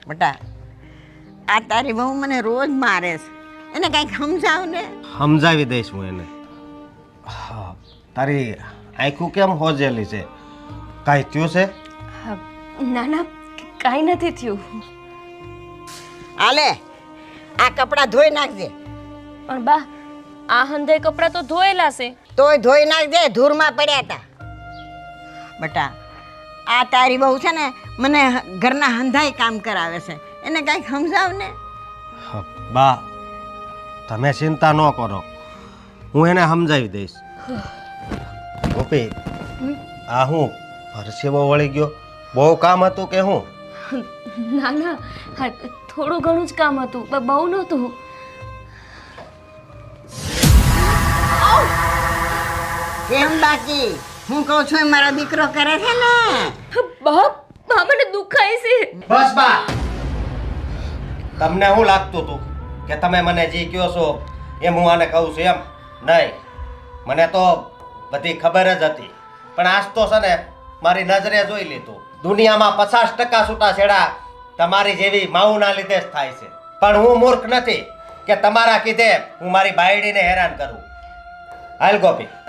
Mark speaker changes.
Speaker 1: બેટા આ તારી બહુ મને રોજ મારે છે, એને કંઈક સમજાવ ને.
Speaker 2: સમજાવી દઈશ હું એને. હા, તારી આંખું કેમ હોજેલી છે? કાંઈ થયું છે?
Speaker 3: ના ના, કાંઈ નથી થયું.
Speaker 1: આલે આ કપડાં ધોઈ નાખજે.
Speaker 3: પણ બા, આ હંધે કપડાં તો ધોયેલા છે.
Speaker 1: તોય ધોઈ નાખજે, ધૂળમાં પડ્યા હતા. બેટા આ તારી બહુ છે ને મને ઘરના હંધાઈ કામ કરાવે છે, એને કંઈક સમજાવ ને.
Speaker 2: હા, બા તમે ચિંતા ન કરો, હું એને સમજાવી દઈશ. ગોપી, આ હું પરસેવો વળી ગયો? બહુ કામ હતું કે હું?
Speaker 3: ના ના, હા, થોડું ઘણું જ કામ હતું, બહુ નહોતું.
Speaker 1: કેમ બાકી હું કહું છું એ મારો દીકરો કરે છે ને.
Speaker 3: બા, બા મને દુખાય છે.
Speaker 2: બસ બા, તમને શું લાગતું હતું કે તમે મને જે કહો છો એમ હું આને કહું છું? એમ નહીં, મને તો બધી ખબર જ હતી. પણ આજ તો છે ને મારી નજરે જોઈ લીધું. દુનિયામાં 50% છૂટાછેડા તમારી જેવી માઉના લીધે જ થાય છે. પણ હું મૂર્ખ નથી કે તમારા કીધે હું મારી બાયડીને હેરાન કરું. હાલ ગોપી,